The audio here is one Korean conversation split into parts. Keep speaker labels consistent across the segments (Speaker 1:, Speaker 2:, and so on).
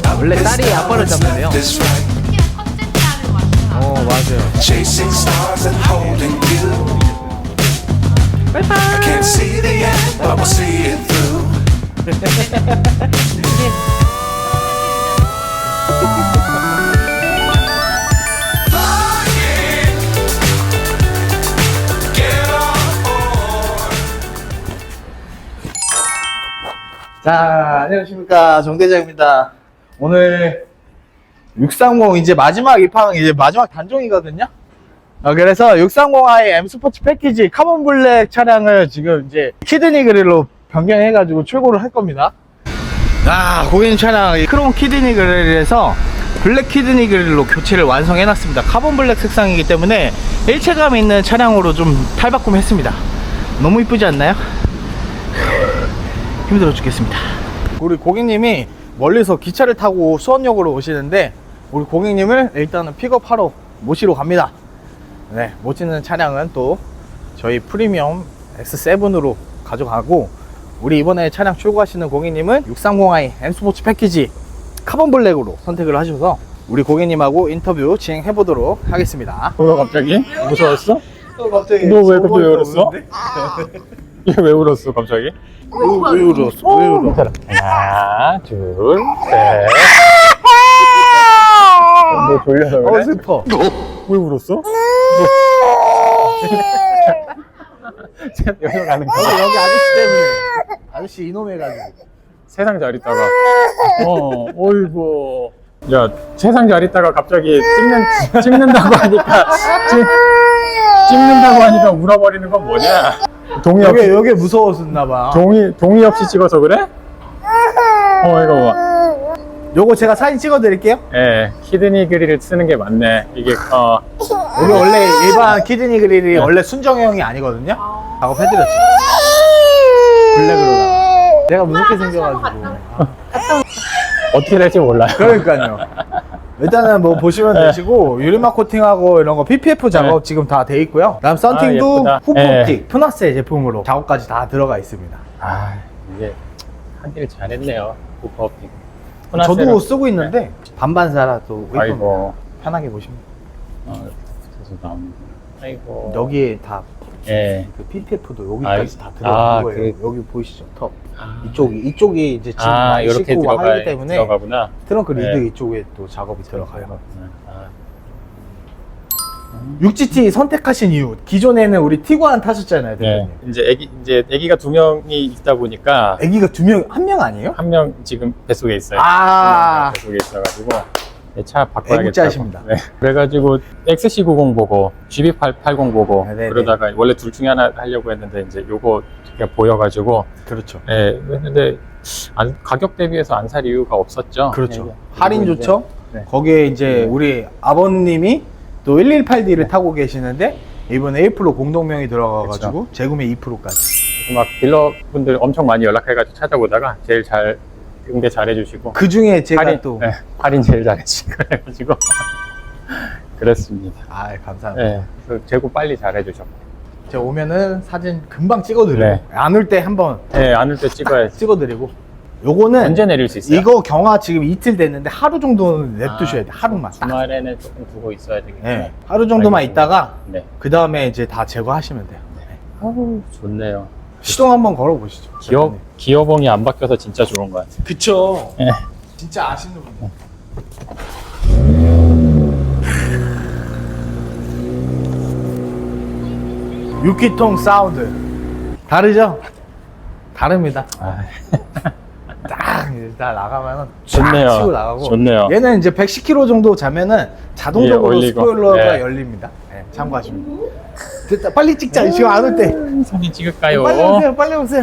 Speaker 1: 원래 딸이 아빠를 잡는데요.
Speaker 2: 첫째 딸을 왔어요.
Speaker 1: 맞아요.
Speaker 3: Chasing stars and holding you. I can't see the end, but we'll see it through. Flying, get on board.
Speaker 1: 자, 안녕하십니까. 정대장입니다. 오늘 630 이제 마지막 입항, 이제 마지막 단종이거든요. 그래서 630i M 스포츠 패키지 카본 블랙 차량을 지금 이제 키드니 그릴로 변경해가지고 출고를 할 겁니다. 고객님 차량 크롬 키드니 그릴에서 블랙 키드니 그릴로 교체를 완성해놨습니다. 카본 블랙 색상이기 때문에 일체감 있는 차량으로 좀 탈바꿈했습니다. 너무 이쁘지 않나요? 힘들어 죽겠습니다. 우리 고객님이 멀리서 기차를 타고 수원역으로 오시는데 우리 고객님을 일단은 픽업하러 모시러 갑니다. 네, 모시는 차량은 또 저희 프리미엄 X7으로 가져가고, 우리 이번에 차량 출고하시는 고객님은 630i M 스포츠 패키지 카본 블랙으로 선택을 하셔서 우리 고객님하고 인터뷰 진행해 보도록 하겠습니다.
Speaker 4: 뭐야 갑자기? 무서웠어?
Speaker 1: 갑자기
Speaker 4: 너 왜 갑자기 왜 울었어? 얘 왜 울었어 갑자기?
Speaker 1: 왜 울었어? 왜 울어?
Speaker 4: 하나 둘셋 너 졸려서 그래?
Speaker 1: 슬퍼.
Speaker 4: 왜 울었어? 여기로 가는 거야?
Speaker 1: 여기 아저씨 때문에. 아저씨 이놈 해가지고.
Speaker 4: 세상 잘 있다가 어이구 야 세상 잘 있다가 갑자기 찍는다고 하니까 찍는다고 하니까 울어버리는 건 뭐냐? 동의 없이
Speaker 1: 여기 무서웠었나봐.
Speaker 4: 동의 없이 찍어서 그래? 이거 봐.
Speaker 1: 요거 제가 사진 찍어 드릴게요.
Speaker 4: 예, 키드니 그릴을 쓰는 게 맞네. 이게
Speaker 1: 여기 원래 일반 키드니 그릴이 원래 순정형이 아니거든요. 작업해드렸죠. 블랙으로. 내가 무섭게 생겨가지고.
Speaker 4: 어떻게 될지 몰라요.
Speaker 1: 그러니까요. 일단은 뭐 보시면 되시고, 유리막 코팅하고 이런 거 PPF 작업 지금 다 돼 있고요. 그다음 썬팅도
Speaker 4: 예쁘다.
Speaker 1: 후프옵틱 푸나스의 제품으로 작업까지 다 들어가 있습니다.
Speaker 4: 이게 하길 잘했네요. 후퍼업틱.
Speaker 1: 저도 쓰고 있는데 반반사라도
Speaker 4: 아이고.
Speaker 1: 편하게 보시면
Speaker 4: 아이고.
Speaker 1: 여기에 다
Speaker 4: 예.
Speaker 1: 그 PPF도 여기까지 다 들어간 거예요. 여기 보이시죠? 턱. 이쪽이 이제 지금 많이
Speaker 4: 이렇게
Speaker 1: 싣고 하기 때문에
Speaker 4: 들어가구나.
Speaker 1: 트렁크 리드
Speaker 4: 네.
Speaker 1: 이쪽에 또 작업이 들어가요. 6GT 선택하신 이유, 기존에는 우리 티구안 타셨잖아요,
Speaker 4: 네.
Speaker 1: 대표님.
Speaker 4: 이제 애기가 2명이 있다 보니까
Speaker 1: 애기가 한 명 아니에요?
Speaker 4: 한 명 지금 뱃속에 있어요.
Speaker 1: 아.
Speaker 4: 뱃속에 있어가지고 차 바꿔야겠다.
Speaker 1: 애국자십니다.
Speaker 4: 네. 그래가지고 XC90 보고 GB880 보고
Speaker 1: 네네.
Speaker 4: 그러다가 원래 둘 중에 하나 하려고 했는데 이제 요거 그냥 보여가지고
Speaker 1: 그렇죠.
Speaker 4: 네, 했는데 가격 대비해서 안 살 이유가 없었죠.
Speaker 1: 그렇죠.
Speaker 4: 네.
Speaker 1: 할인
Speaker 4: 그리고
Speaker 1: 좋죠?
Speaker 4: 이제, 네.
Speaker 1: 거기에 이제 우리 아버님이 또 118D를 타고 계시는데 이번에 A 프로 공동명이 들어가가지고 재구매 2%까지.
Speaker 4: 막 딜러분들 엄청 많이 연락해가지고 찾아보다가 제일 잘 응대 잘해주시고
Speaker 1: 그 중에 제가
Speaker 4: 할인,
Speaker 1: 또
Speaker 4: 네, 할인 제일 잘해주시고 그래가지고 그랬습니다.
Speaker 1: 감사합니다.
Speaker 4: 네, 그래서 재고 빨리 잘해주셨고.
Speaker 1: 제가 오면은 사진 금방 찍어드리고
Speaker 4: 네.
Speaker 1: 안 올 때 한번
Speaker 4: 네, 안 올 때 찍어야지.
Speaker 1: 찍어드리고. 요거는
Speaker 4: 언제 내릴 수 있어요?
Speaker 1: 이거 경화 지금 이틀 됐는데 하루 정도는 냅두셔야 돼. 하루만 딱.
Speaker 4: 주말에는 조금 두고 있어야 되겠네.
Speaker 1: 네. 하루 정도만
Speaker 4: 알겠습니다.
Speaker 1: 있다가
Speaker 4: 네.
Speaker 1: 그 다음에 이제 다 제거하시면 돼요.
Speaker 4: 아우, 좋네요.
Speaker 1: 시동 한번 걸어보시죠.
Speaker 4: 기어봉이 안 바뀌어서 진짜 좋은 것 같아요.
Speaker 1: 그쵸.
Speaker 4: 네.
Speaker 1: 진짜 아시는 분. 유키통 사운드 다르죠? 다릅니다. 딱 나가면은
Speaker 4: 좋네요.
Speaker 1: 쫙 치고 나가고.
Speaker 4: 좋네요.
Speaker 1: 얘는 이제 110km 정도 자면은 자동적으로
Speaker 4: 예, 올리고.
Speaker 1: 스포일러가
Speaker 4: 네.
Speaker 1: 열립니다. 네, 참고하시면 돼요. 됐다, 빨리 찍자. 지금 안 올 때.
Speaker 4: 사진 찍을까요?
Speaker 1: 빨리 오세요, 빨리 오세요.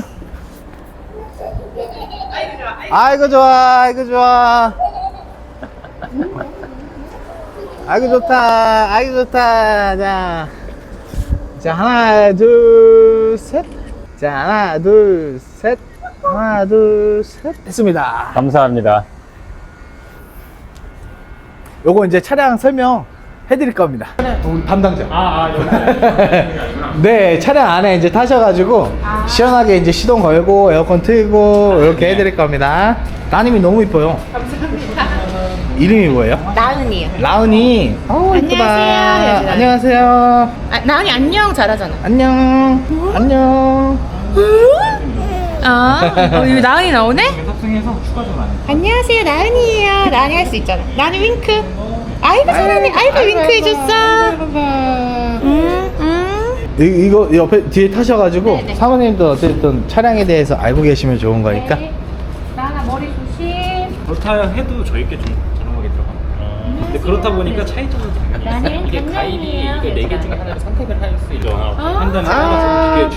Speaker 1: 아이고 좋아, 아이고 좋아. 아이고 좋다, 아이고 좋다. 자 하나 둘 셋. 자 하나 둘 셋. 하나 둘 셋. 됐습니다.
Speaker 4: 감사합니다.
Speaker 1: 요거 이제 차량 설명 해드릴 겁니다. 우리 담당자.
Speaker 4: 여기.
Speaker 1: 네, 차량 안에 이제 타셔가지고 시원하게 이제 시동 걸고 에어컨 틀고 이렇게 해드릴 겁니다. 따님이 너무 이뻐요.
Speaker 2: 감사합니다.
Speaker 1: 이름이 뭐예요?
Speaker 5: 나은이요.
Speaker 1: 라은이. 이쁘다.
Speaker 5: 안녕하세요.
Speaker 1: 안녕하세요.
Speaker 5: 아, 나은이 안녕 잘하잖아.
Speaker 1: 안녕. 안녕.
Speaker 5: 여기 나은이 나오네?
Speaker 1: 탑승해서 추가 좀 안 해.
Speaker 5: 안녕하세요, 나은이에요. 나은이 할 수 있잖아. 나은이 윙크. 아이고 잘하네. 아이고 윙크 해줬어.
Speaker 1: 이거 옆에 뒤에 타셔가지고
Speaker 5: 네네.
Speaker 1: 사모님도 어쨌든 차량에 대해서 알고 계시면 좋은 거니까.
Speaker 5: 나은아 머리 조심.
Speaker 6: 그렇다 해도 저희께 좀 저렴하게 들어갑니다. 근데 그렇다 보니까 차이점은 당연히 있어요.
Speaker 5: 나는
Speaker 6: 이게 가입이
Speaker 5: 장난이에요.
Speaker 6: 이게 4개 중에 하나를 선택을 할 수 있죠. 판단을
Speaker 1: 아,
Speaker 6: 해서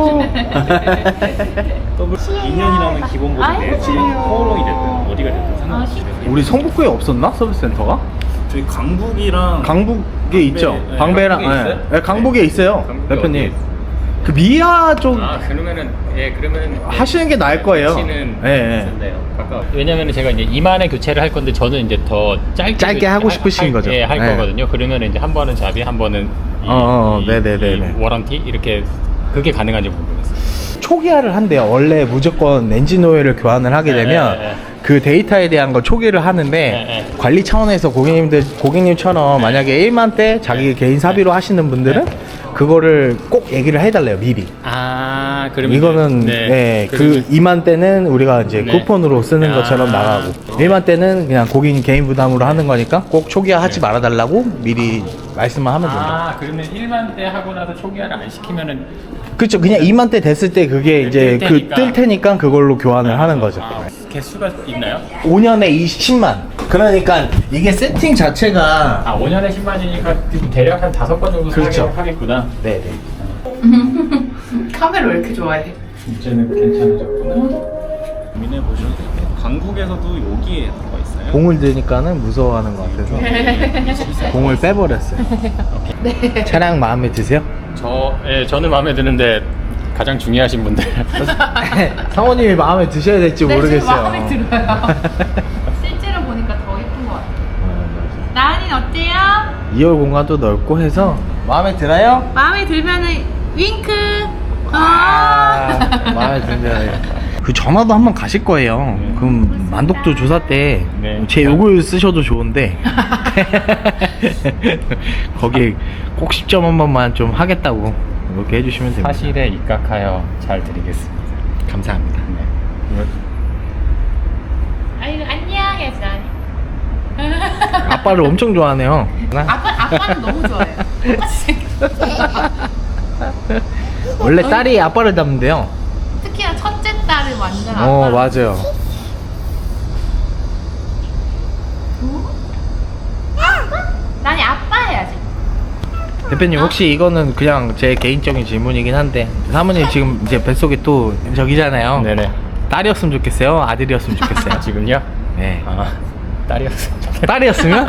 Speaker 6: 비교해 주시면 더블 2년이라는 기본 보증 내지 포로이 됐든 어디가 됐든 상관없어요.
Speaker 1: 우리 성북구에 없었나? 서비스 센터가?
Speaker 6: 저희 강북이랑
Speaker 1: 강북에 있죠.
Speaker 6: 네,
Speaker 1: 방배랑.
Speaker 6: 강북에 있어요?
Speaker 1: 네, 강북에 있어요.
Speaker 6: 강북에
Speaker 1: 대표님.
Speaker 6: 어디에
Speaker 1: 그 미아 쪽
Speaker 4: 그러면은 그러면은
Speaker 1: 하시는 게 나을 거예요.
Speaker 4: 위치는
Speaker 1: 네.
Speaker 4: 왜냐면은 제가 이제 2만에 교체를 할 건데 저는 이제 더 짧게
Speaker 1: 하고 싶으신 거죠?
Speaker 4: 할
Speaker 1: 네.
Speaker 4: 거거든요. 그러면 이제 한 번은 자비, 한 번은
Speaker 1: 네네네네.
Speaker 4: 이 워런티 이렇게 그게 가능한지 궁금했어요.
Speaker 1: 초기화를 한대요. 원래 무조건 엔진 오일을 교환을 하게 되면
Speaker 4: 네.
Speaker 1: 그 데이터에 대한 걸 초기를 하는데
Speaker 4: 네.
Speaker 1: 관리 차원에서 고객님처럼 만약에 1만 대 자기 개인 사비로 하시는 분들은 그거를 꼭 얘기를 해달래요, 미리.
Speaker 4: 그러면
Speaker 1: 이거는 그 2만 대는 우리가 이제
Speaker 4: 네.
Speaker 1: 쿠폰으로 쓰는 것처럼 나가고 1만 대는 그냥 고객님 개인 부담으로 하는 거니까 꼭 초기화 하지 말아달라고 미리 말씀만 하면 됩니다.
Speaker 4: 그러면 1만 대 하고 나서 초기화를 안 시키면은
Speaker 1: 그렇죠. 그냥 2만 대 됐을 때 그게 이제 뜰 테니까 그걸로 교환을 하는 거죠.
Speaker 4: 개수가 있나요?
Speaker 1: 5년에 20만. 그러니까 이게 세팅 자체가
Speaker 4: 5년에 10만이니까 대략 한 5번 정도
Speaker 1: 그렇죠.
Speaker 4: 하겠구나.
Speaker 1: 네네.
Speaker 5: 카메라 왜 이렇게 좋아해?
Speaker 4: 이제는 괜찮아졌구나.
Speaker 6: 고민해 보셔도 되고 강북에서도 여기에 들어가 있어요.
Speaker 1: 공을 드니까는 무서워하는 것 같아서 공을 빼버렸어요. 차량 마음에 드세요?
Speaker 4: 저는 마음에 드는데 가장 중요하신 분들.
Speaker 1: 사모님이 마음에 드셔야 될지 모르겠어요.
Speaker 5: 마음에 들어요. 실제로 보니까 더 예쁜 것 같아. 나은이는 어때요?
Speaker 1: 2열 공간도 넓고 해서 마음에 들어요?
Speaker 5: 마음에 들면은 윙크.
Speaker 1: 마음에 드네요. 그 전화도 한번 가실 거예요. 그럼 만독도 조사 때 제
Speaker 4: 네.
Speaker 1: 욕을 쓰셔도 좋은데 거기 꼭 10점 한 번만 좀 하겠다고 이렇게 해주시면 됩니다.
Speaker 4: 사실에 입각하여 잘 드리겠습니다.
Speaker 1: 감사합니다.
Speaker 5: 아이고 안녕 해야지 나은이.
Speaker 1: 아빠를 엄청 좋아하네요.
Speaker 5: 아빠는 너무 좋아해요. 똑같이 생겼어.
Speaker 1: 원래 딸이 아빠를 닮는데요.
Speaker 5: 특히나 첫째 딸은 완전 아빠.
Speaker 1: 맞아요.
Speaker 5: 나니 아빠 해야지.
Speaker 1: 대표님 혹시 이거는 그냥 제 개인적인 질문이긴 한데 사모님 지금 이제 뱃속에 또 저기잖아요.
Speaker 4: 네네.
Speaker 1: 딸이었으면 좋겠어요? 아들이었으면 좋겠어요?
Speaker 4: 지금요?
Speaker 1: 네.
Speaker 4: 딸이었어요.
Speaker 1: 딸이었으면?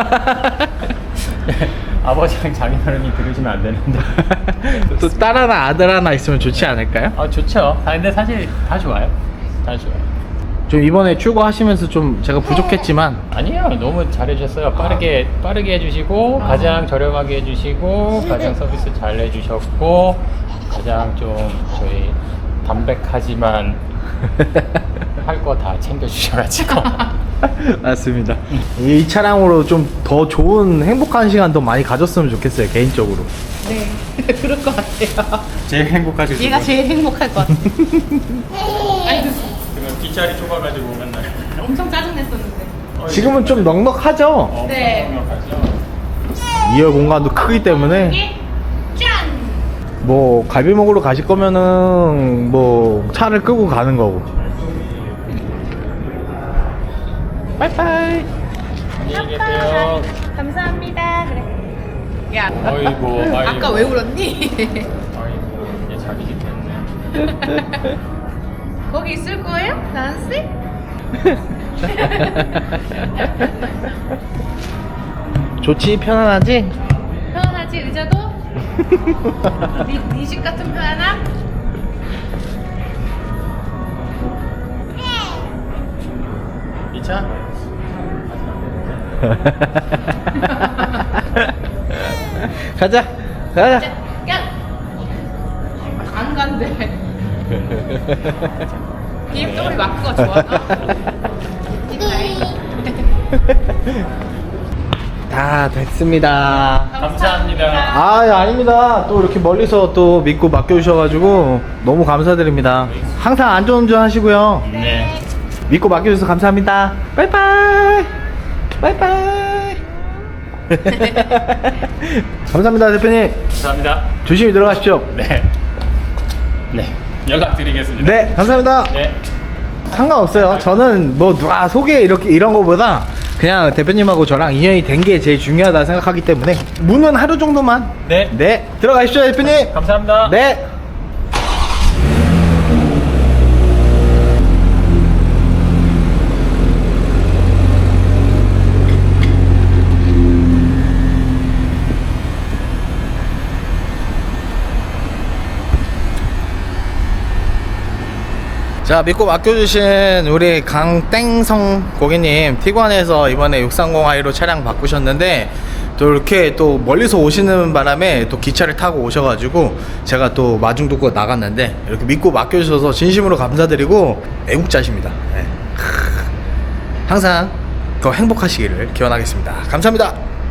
Speaker 4: 아버지랑 장인어른이 들으시면 안 되는데.
Speaker 1: 또 딸 하나 아들 하나 있으면 좋지 않을까요?
Speaker 4: 좋죠. 근데 사실 다 좋아요. 다 좋아요.
Speaker 1: 좀 이번에 출고하시면서 좀 제가 부족했지만
Speaker 4: 아니에요. 너무 잘해주셨어요. 빠르게 해주시고 가장 저렴하게 해주시고 가장 서비스 잘 해주셨고 가장 좀 저희 담백하지만 할 거 다 챙겨주셔가지고
Speaker 1: 맞습니다. 이 차량으로 좀 더 좋은 행복한 시간 더 많이 가졌으면 좋겠어요, 개인적으로.
Speaker 5: 네, 그럴 것 같아요.
Speaker 4: 제일 행복하실
Speaker 5: 얘가 제일 행복할 것 같아. 아이고,
Speaker 4: 그러면 뒷자리 좁아가지고 맨날
Speaker 5: 엄청 짜증냈었는데.
Speaker 1: 지금은 좀 넉넉하죠?
Speaker 5: 네.
Speaker 4: 생각하죠.
Speaker 1: 2열 공간도 크기 때문에
Speaker 5: 이게 짠!
Speaker 1: 뭐 갈비 먹으러 가실 거면은 뭐 차를 끄고 가는 거고. 빠이빠이.
Speaker 4: 안녕히 계세요.
Speaker 5: 감사합니다. 그래. 야,
Speaker 4: 아이고.
Speaker 5: 아까 왜 울었니?
Speaker 4: 아이고 이제 자기기 때문에.
Speaker 5: 거기 있을 거예요? 난씨?
Speaker 1: 좋지? 편안하지?
Speaker 5: 편안하지 의자도? 네 집 같은 편안함?
Speaker 4: 이 차?
Speaker 1: 가자. 가자.
Speaker 5: 야! 안 간대. BMW 마크가 좋아서. 뒷자리.
Speaker 1: 다 됐습니다.
Speaker 4: 감사합니다.
Speaker 1: 아, 아닙니다. 또 이렇게 멀리서 또 믿고 맡겨주셔가지고 너무 감사드립니다. 항상 안전운전 하시고요.
Speaker 4: 네.
Speaker 1: 믿고 맡겨주셔서 감사합니다. 빠이빠이. 빠이빠이. 감사합니다, 대표님.
Speaker 4: 감사합니다.
Speaker 1: 조심히 들어가십시오.
Speaker 4: 네. 네. 연락드리겠습니다.
Speaker 1: 네, 감사합니다.
Speaker 4: 네.
Speaker 1: 상관없어요. 저는 뭐 누가 소개 이렇게 이런 거보다 그냥 대표님하고 저랑 인연이 된 게 제일 중요하다 생각하기 때문에 문은 하루 정도만.
Speaker 4: 네.
Speaker 1: 네, 들어가십시오, 대표님.
Speaker 4: 감사합니다.
Speaker 1: 네. 자, 믿고 맡겨주신 우리 강땡성 고객님, 티관에서 이번에 630i로 차량 바꾸셨는데 또 이렇게 또 멀리서 오시는 바람에 또 기차를 타고 오셔가지고 제가 또 마중도고 나갔는데 이렇게 믿고 맡겨주셔서 진심으로 감사드리고 애국자십니다. 네. 항상 더 행복하시기를 기원하겠습니다. 감사합니다.